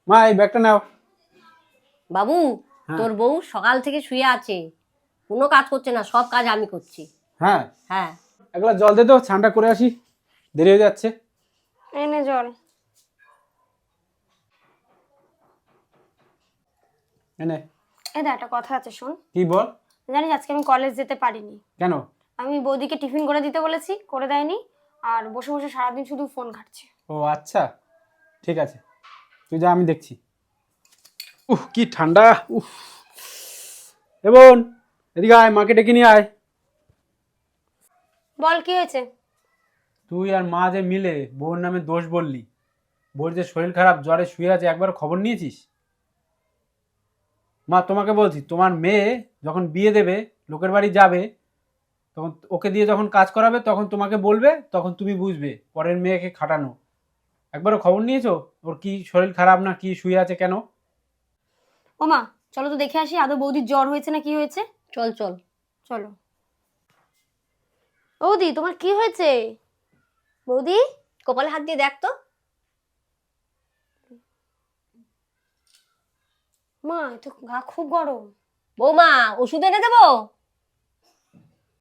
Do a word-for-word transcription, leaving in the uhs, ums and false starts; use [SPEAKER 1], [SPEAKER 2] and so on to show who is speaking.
[SPEAKER 1] মা এই ব্যাগটা নাও।
[SPEAKER 2] বাবু
[SPEAKER 1] হ্যাঁ।
[SPEAKER 2] তোর বউ সকাল থেকে শুয়ে আছে, কোনো কাজ করছে না, সব কাজ আমি করছি।
[SPEAKER 1] হ্যাঁ,
[SPEAKER 2] হ্যাঁ।
[SPEAKER 1] এক গ্লাস জল দে তো, স্নানটা করে আসি, দেরি হয়ে যাচ্ছে।
[SPEAKER 3] এনে জল।
[SPEAKER 1] এনে।
[SPEAKER 3] এই দা একটা কথা আছে শোন।
[SPEAKER 1] কি বল?
[SPEAKER 3] জানিস আজকে আমি কলেজ যেতে পারিনি।
[SPEAKER 1] কেন?
[SPEAKER 3] আমি বৌদিকে টিফিন করে দিতে বলেছি, করে দেয়নি, আর বসে বসে সারাদিন শুধু ফোন ঘাটছে।
[SPEAKER 1] ও আচ্ছা, ঠিক আছে, তুই যা, আমি দেখছি। উহ কি ঠান্ডা! উহ, এ বোন, এদিকে আয়, মাকে ডেকে নিয়ে আয়।
[SPEAKER 3] বল কি হয়েছে?
[SPEAKER 1] তুই আর মা যে মিলে বউর নামে দোষ বললি, বউর যে শরীর খারাপ, জ্বরে শুয়ে আছে, একবার খবর নিয়েছিস? মা তোমাকে বলছি, তোমার মেয়ে যখন বিয়ে দেবে, লোকের বাড়ি যাবে, তখন ওকে দিয়ে যখন কাজ করাবে, তখন তোমাকে বলবে, তখন তুমি বুঝবে পরের মেয়েকে খাটানো। একবারও খবর নিয়েছো ওর কি শরীর খারাপ না কি, শুয়ে আছে কেন?
[SPEAKER 3] ও মা, চলো তো দেখে আসি আদৌ বৌদির জ্বর হয়েছে না কি হয়েছে।
[SPEAKER 2] চল চল।
[SPEAKER 3] চলো। বৌদি তোমার কি হয়েছে? বৌদি,
[SPEAKER 2] কপালে হাত দিয়ে দেখ তো।
[SPEAKER 3] মা এ তো গা খুব গরম।
[SPEAKER 2] বৌমা ওষুধ এনে দেবো?